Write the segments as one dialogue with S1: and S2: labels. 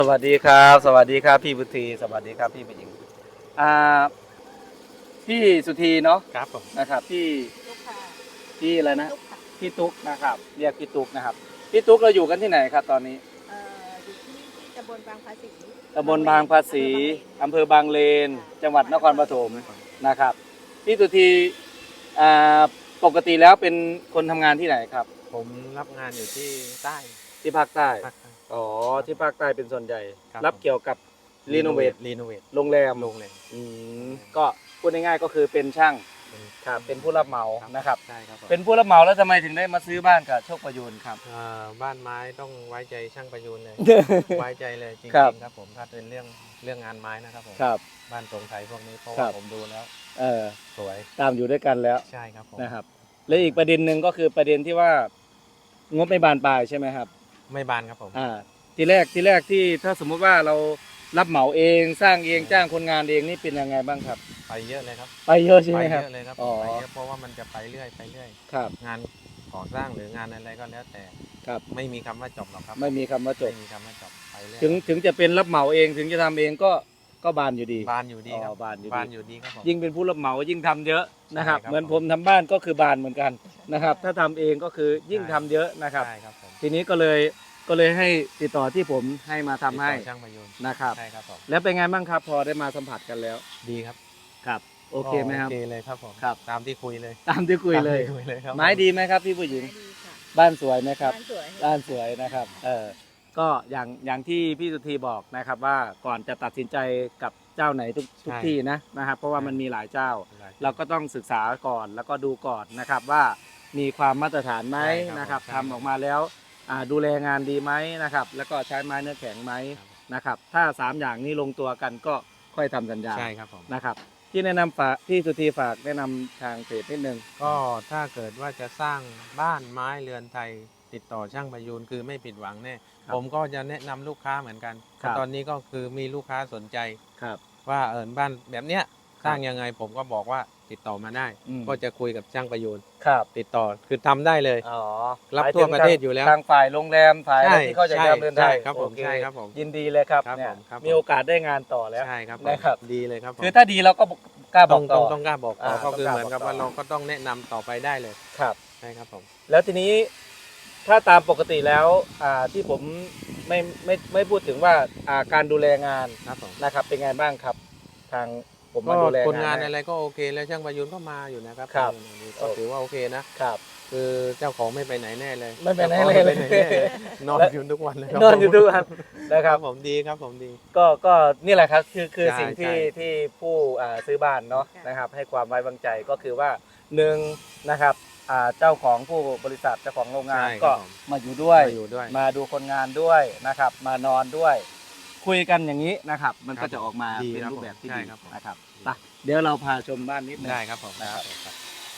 S1: สวัสดีครับสวัสดีครับพี่บุตรีสวัสดีครับพี่ผู้หญิงอ่าพี่สุธีเนาะ
S2: ครับผม
S1: นะครับพี่
S3: ลูกค้า
S1: พี่อะไรนะ
S3: ลูกค้า
S1: พี่ตุ๊กนะครับเรียกพี่ตุ๊กนะครับพี่ตุ๊กเราอยู่กันที่ไหนครับตอนนี้
S3: อยู่ที่ตำบลบางภาษี
S1: ตำบลบางภาษีอำเภอบางเลนจังหวัดนครปฐมนะครับพี่สุธีอ่าปกติแล้วเป็นคนทำงานที่ไหนครับ
S2: ผมรับงานอยู่ที่ใต้
S1: ที่ภาคใต้
S2: ภาคใต้
S1: อ๋อที่ภาคใต้เป็นส่วนใหญ่
S2: ครับ
S1: รับเกี่ยวกับรีโนเวท
S2: รีโนเวท
S1: โรงแรม
S2: โรงแรม
S1: ก็พูดง่ายๆก็คือเป็นช่าง ครับเป็นผู้รับเหมา
S2: ครับ
S1: นะครับ
S2: ใช่ครับผม
S1: เป็นผู้รับเหมาแล้วทำไมถึงได้มาซื้อบ้านกับโชคประยูนครับ
S2: บ้านไม้ต้องไว้ใจช่างประยูนเลย ไว้ใจเลยจริง
S1: ครับ
S2: ๆครับผมถ้าเป็นเรื่องงานไม้นะครับผม
S1: ครับ
S2: บ้านทรงไทยพวกนี้เพราะ
S1: ครั
S2: ว่า
S1: บ
S2: ผมดูแล้ว สวย
S1: ตามอยู่ด้วยกันแล้ว
S2: ใช่ครับผม
S1: นะครับ และอีกประเด็นหนึ่งก็คือประเด็นที่ว่างบไม่บานปลายใช่ไหมครับ
S2: ไม่บานครับผม
S1: ทีแรกที่ถ้าสมมุติว่าเรารับเหมาเองสร้างเองจ้างคนงานเองนี่เป็นยังไงบ้างครับ
S2: ไปเยอะเลยครับ
S1: ไปเยอะใช่
S2: ไป
S1: ไหมค
S2: เย
S1: รับ
S2: อะเลยครับ
S1: อ๋อ
S2: ไปเยอะเพราะว่ามันจะไปเรื่อยไปเรื่อย
S1: ครับ
S2: งานก่อสร้างหรืองานอะไรก็แล้วแต่
S1: ครับ
S2: ไม่มีคำว่าจบหรอกครับ
S1: ไม่มีคำว่าจบ
S2: ไม่มีคำว่าจบไปเรื่อย
S1: ถึงจะเป็นรับเหมาเองถึงจะทำเองก็บานอยู่ดี
S2: บานอยู่ดีครับ
S1: บานอยู่ดี
S2: บานอยู่ดีครับผม
S1: ยิ่งเป็นผู้รับเหมายิ่งทำเยอะนะครับ
S2: ใช่ครับ
S1: เหมือนผมทำบ้านก็คือบานเหมือนกันนะครับ ถ้าทำเองก็คือยิ่งทำเยอะนะครับ
S2: ใช่ครับผม
S1: ทีนี้ก็เลยให้ติดต่อที่ผมให้มาทำให้
S2: ติดต่อช่างประยุน
S1: นะครับ
S2: ใช่ครับผม
S1: แล้วเป็นไงบ้างครับพอได้มาสัมผัสกันแล้ว
S2: ดีครับ
S1: ครับ โอเคไหมครับ
S2: โอเคเลยครับผม
S1: ครับ
S2: ตามที่คุยเลย
S1: ตามที่คุยเลย
S2: ตามที่คุยเลยครับ
S1: ไม้ดีไหมครับพี่ผู้หญิง
S3: ดีค่ะ
S1: บ้านสวยไหมครับ
S3: บ้านสวย
S1: บ้านสวยนะครับก็อย่างที่พี่สุธีบอกนะครับว่าก่อนจะตัดสินใจกับเจ้าไหนทุกที่นะครับ เพราะว่ามันมีหลายเจ้า เราก็ต้องศึกษาก่อนแล้วก็ดูก่อนนะครับว่ามีความมาตรฐานไหมนะครับทำออกมาแล้วดูแลงานดีไหมนะครับ แล้วก็ใช้ไม้เนื้อแข็งไหมนะครับ ถ้า3อย่างนี้ลงตัวกันก็ค่อยทำสัญญา
S2: ใช่ครับผม
S1: นะครับ ที่แนะนำฝากพี่สุธีฝากแนะนำทางเพจนิดนึง
S2: ก็ถ้าเกิดว่าจะสร้างบ้านไม้เรือนไทย ติดต่อช่างประยูนคือไม่ผิดหวังแน่
S1: ครับ
S2: ผมก็จะแนะนำลูกค้าเหมือนกัน
S1: ครับ
S2: ตอนนี้ก็คือมีลูกค้าสนใจ
S1: ครับ
S2: ว่าบ้านแบบเนี้ย
S1: ครับ
S2: สร้างยังไงผมก็บอกว่าติดต่อมาได้
S1: อืม
S2: ก็จะคุยกับช่างประยูน
S1: ครับ
S2: ติดต่อคือทำได้เลย
S1: อ๋อ
S2: รับทั่วประเทศอยู่แล้ว
S1: ทางฝ่ายโรงแรมฝ่ายอะไรที่เขาจะ
S2: ใช่
S1: ดำเนินได้
S2: ใช่ครับผม
S1: โอเ
S2: ใช่ครับผม
S1: ยินดีเลยครับ
S2: ครับ
S1: เนี่ย
S2: ผมครับผม
S1: มีโอกาสได้งานต่อแล้ว
S2: ใช่ครับผม
S1: นะครับ
S2: ดีเลยครับผม
S1: คือถ้าดีเราก็กล้าบ
S2: ต้
S1: อ
S2: อง
S1: กต่อ
S2: ต้องกล้าบอกต่อก็คือ
S1: ต้องกล้า
S2: เหมือนกับ
S1: บอกต่อ
S2: ว่าเราก็ต้องแนะนำต่อไปได้เลย
S1: ครับ
S2: ใช่ครับผม
S1: แล้วทีนี้ถ้าตามปกติแล้วที่ผมไม่พูดถึงว่าการดูแลงาน
S2: ครับผม
S1: นะครับ เป็นไงบ้างครับ ทางผม
S2: ก็
S1: มาดูแล
S2: คนงาน
S1: ให้
S2: อะไรก็โอเคแล้วช่างประยุนก็มาอยู่นะครับ
S1: ครับ
S2: ก็ถือว่าโอเคนะ
S1: ครับ
S2: คือเจ้าของไม่ไปไหนแน่เลย
S1: ไม่ไปไหน
S2: จ้าของ
S1: เลย
S2: ม่ไปไหนแน่เลยนอนอยู่ทุกวันเลยครับ
S1: นอนอยู่ทุกวันนะค
S2: ค
S1: รั
S2: รับ บผมดีครับผมดี
S1: ก็นี่แหละครับคือ
S2: ใช่
S1: สิ่งที่
S2: ใช่
S1: ที่ผู้ซื้อบ้านเนาะนะครับ ให้ความไว้วางใจก็คือว่าหนึ่งนะครับเจ้าของผู้บริษัทเจ้าของโรงงาน
S2: ใช่ครับ
S1: ก็
S2: ผม
S1: มาอยู่ด้วย
S2: มาอยู่ด้วย
S1: มาดูคนงานด้วยนะครับ มานอนด้วย คุยกันอย่างนี้นะครับ มัน
S2: ครั
S1: ก็
S2: บ
S1: จะออกมา
S2: ดี
S1: เป็น
S2: ครับ
S1: รูปแบบที่
S2: ใช่
S1: ดี
S2: ครับผม
S1: นะครับไปเดี๋ยวเราพาชมบ้านนิดนึง
S2: ได้ครับผม
S1: นะครับ
S2: ครับ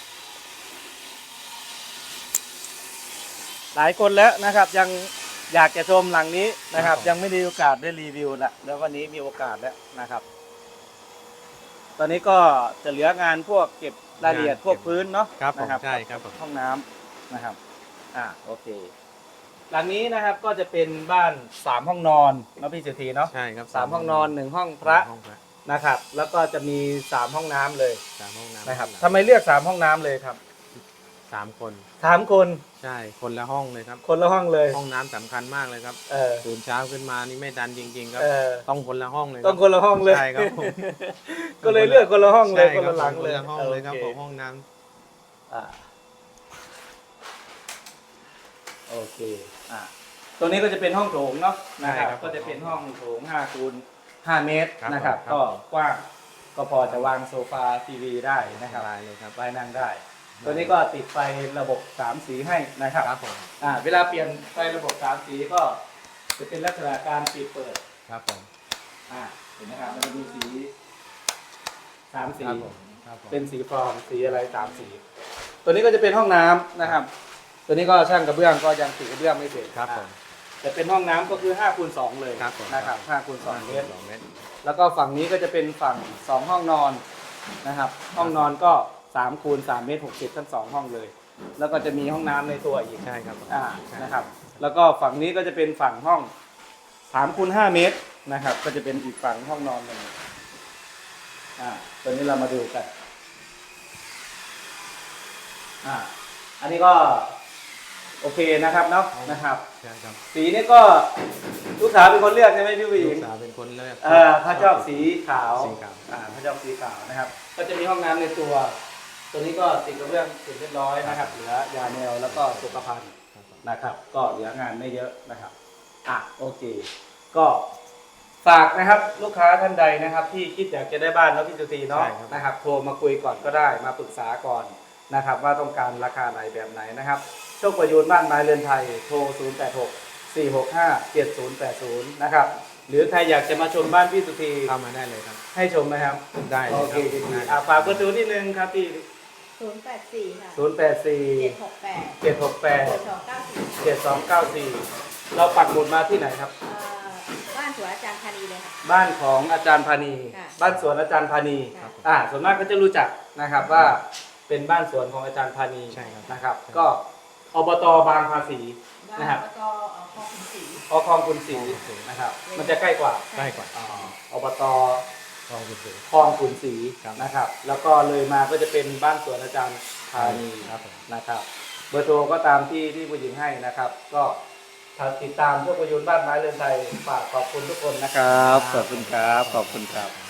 S1: หลายคนแล้วนะครับยังอยากจะชมหลังนี้นะครับ
S2: ครับผม
S1: ยังไม่ได้โอกาสได้รีวิวละแล้ววันนี้มีโอกาสแล้วนะครับ ตอนนี้ก็จะเหลืองานพวกเก็บรายละเอียดพวกพื้นเนาะ
S2: ครับผม
S1: นะ
S2: ใช่ครับผม
S1: ห้องน้ำนะครับโอเค หลังนี้นะครับก็จะเป็นบ้าน3ห้องนอนเนาะพี่สุธีเนาะ
S2: ใช่ครับ
S1: 3ห้องนอน1ห้องพระ
S2: ห้องพระ
S1: นะครับ แล้วก็จะมี3ห้องน้ำเลย
S2: 3ห้องน้ำ
S1: นะครับทำไมเลือก3ห้องน้ำเลยครับ
S2: 3 คน
S1: 3คน
S2: ใช่คนละห้องเลยครับ
S1: คนละห้องเลย
S2: ห้องน้ำสำคัญมากเลยครับ
S1: เออ
S2: ตื่นเช้าขึ้นมานี่ไม่ดันจริงๆครับ
S1: เออ
S2: ต้องคนละห้องเลย
S1: ต้องคนละห้องเลย
S2: ใช่ครับผม
S1: ก็เลยเลือกคนละห้องเลย
S2: ใช่
S1: คน
S2: รับ
S1: ละหลังเลย
S2: คนละห้องเลยครับ
S1: โอ
S2: ผมห้องน้ำ
S1: อ่าโอเคตัวนี้ก็จะเป็นห้องโถงเนาะนะครับ ก็จะเป็นห้องโถง5 คูณ 5 เมตรนะครับ ก็กว้างก็พอจะวางโซฟาทีวีได้นะครับ
S2: สบายเลยครับ
S1: ไว้นั่งได้ ตัวนี้ก็ติดไฟระบบ3 สีให้นะครับ
S2: ครับผม
S1: เวลาเปลี่ยนไฟระบบ3 สีก็จะเป็นลักษณะการปิดเปิด
S2: ครับผม
S1: เห็นไหมครับมันจะมีสี3 สี
S2: ครับผมครับผม
S1: เป็นสีฟองสีอะไร3 สี ตัวนี้ก็จะเป็นห้องน้ำนะครับ ตัวนี้ก็ช่างกระเบื้องก็ยังติดกระเบื้องไม่เสร็จ
S2: ครับผม
S1: แต่เป็นห้องน้ำก็คือ5 คูณ 2เลย
S2: ครับผม
S1: นะครับ5 คูณ 2 เมตร
S2: 2 เมตร
S1: แล้วก็ฝั่งนี้ก็จะเป็นฝั่ง2ห้องนอนนะครับ ห้องนอนก็3 คูณ 3 เมตร 60ทั้ง2ห้องเลย แล้วก็จะมีห้องน้ำในตัวอีก
S2: ใช่ครับผม
S1: นะครับ แล้วก็ฝั่งนี้ก็จะเป็นฝั่งห้อง 3x5 เมตรนะครับ ก็จะเป็นอีกฝั่งห้องนอนหนึ่งตัวนี้เรามาดูกันอันนี้ก็โอเคนะครับเนาะนะครับ
S2: ใช่ครับ
S1: สีนี่ก็ลูกสาวเป็นคนเลือกใช่ไหมพี่ผู้ห
S2: ลู
S1: ญิง
S2: กสาวเป็นคนเลือก
S1: เขาชอบสีขาว
S2: สีขาว
S1: เขาชอบสีขาวนะครับ ก็จะมีห้องน้ำในตัว ตัวนี้ก็ติดกระเบื้องเสร็จเรียบร้อยนะครับ เหลือยาแนวแล้วก็สุขภัณฑ์นะครับ ก็เหลืองานไม่เยอะนะครับโอเค ก็ฝากนะครับลูกค้าท่านใดนะครับ ที่คิดอยากจะได้บ้านแล้วพี่สุธีเนาะนะครับโทรมาคุยก่อนก็ได้มาปรึกษาก่อนนะครับ ว่าต้องการราคาไหนแบบไหนนะครับโชคประยูนบ้านไม้เรือนไทยโทร 086-465-7080 นะครับ หรือใครอยากจะมาชมบ้านพี่สุธี
S2: เข้ามาได้เลยครับ
S1: ให้ชมไหมครับ
S2: ได้เลย
S1: โอ
S2: ค
S1: เค
S2: รับ
S1: ดีๆฝากเบอร์โทรนิดนึงครับที่
S3: 084 ค่ะ
S1: 084
S3: 768
S1: 768
S3: 7294
S1: 7294เราปักหมุดมาที่ไหนครับ
S3: บ้านสวนอาจารย์ธานีเลยค่ะ
S1: บ้านของอาจารย์พานี
S3: ค่ะ
S1: บ้านสวนอาจารย์พานี
S3: ค่ะ
S1: ส่วนมากก็จะรู้จักนะครับว่าเป็นบ้านสวนของอาจารย์พานี
S2: ใช่ครับ
S1: นะครับ ก็อบตบางภาษี
S3: บ้าน
S1: นะครับ
S3: อบตคลองขุนศรี
S1: คลองคุณศรีนะครับ มันจะใกล้กว่า
S2: ใกล้กว่า
S1: อบต
S2: ลองดูสิ
S1: คลองขุนศรี
S2: ครับ
S1: นะครับ แล้วก็เลยมาก็จะเป็นบ้านสวนอาจารย์พานี
S2: ครับผม
S1: นะครับ เบอร์โทรก็ตามที่ผู้หญิงให้นะครับ ก็ติดตามโชคประยูนบ้านไม้เรือนไทยฝากขอบคุณทุกคนนะครับ ขอบคุณครับ ขอบคุณครับ